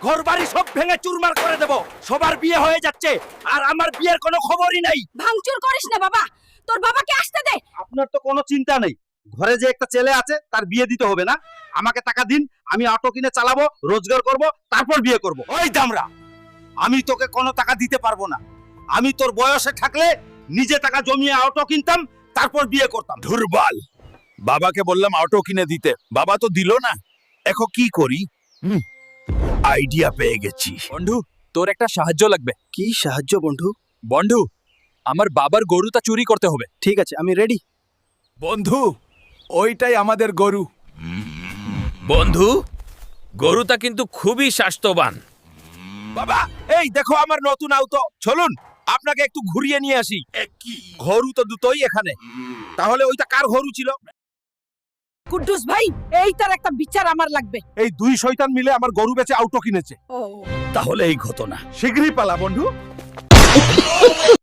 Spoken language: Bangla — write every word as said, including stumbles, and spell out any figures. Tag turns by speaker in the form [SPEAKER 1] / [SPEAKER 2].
[SPEAKER 1] ঘর বাড়ি সব ভেঙে চুরমার করে দেব। সবার বিয়ে হয়ে যাচ্ছে আর আমার বিয়ের কোনো খবরই নাই।
[SPEAKER 2] ভাঙচুর করিস না বাবা, তোর বাবাকে আসতে দে।
[SPEAKER 1] আপনার তো কোনো চিন্তা নেই, ঘরে যে একটা ছেলে আছে তার বিয়ে দিতে হবে না? আমাকে টাকা দিন, আমি অটো কিনে চালাবো, রোজগার করব, তারপর বিয়ে করব। ওই দামরা, আমি তোকে কোনো টাকা দিতে পারবো না। আমি তোর বয়সে থাকলে নিজে টাকা জমিয়ে অটো কিনতাম, তারপর বিয়ে করতাম।
[SPEAKER 3] দুর্বল, বাবাকে বললাম অটো কিনে দিতে, বাবা তো দিল না। এখন কি করি? হুম, আইডিয়া পেয়ে গেছি।
[SPEAKER 4] বন্ধু, তোর একটা সাহায্য লাগবে।
[SPEAKER 5] কি সাহায্য বন্ধু?
[SPEAKER 4] বন্ধু, আমার বাবার গরুটা চুরি করতে হবে।
[SPEAKER 5] ঠিক আছে, আমি রেডি।
[SPEAKER 3] বন্ধু, ওইটাই আমাদের গরু। বন্ধু, গরুটা কিন্তু খুবই স্বাস্থ্যবান।
[SPEAKER 1] বাবা, এই দেখো আমার নতুন আউটো। চলুন আপনাকে একটু ঘুরিয়ে নিয়ে আসি। ঘরু তো দুটোই এখানে, তাহলে ওইটা কার ঘরু ছিল?
[SPEAKER 2] কুদ্দুস ভাই, এই তার একটা বিচার আমার লাগবে।
[SPEAKER 1] এই দুই শয়তান মিলে আমার গরু বেচে আউটো কিনেছে।
[SPEAKER 2] ও
[SPEAKER 3] তাহলে এই ঘটনা।
[SPEAKER 1] শীঘ্রই পালা বন্ধু।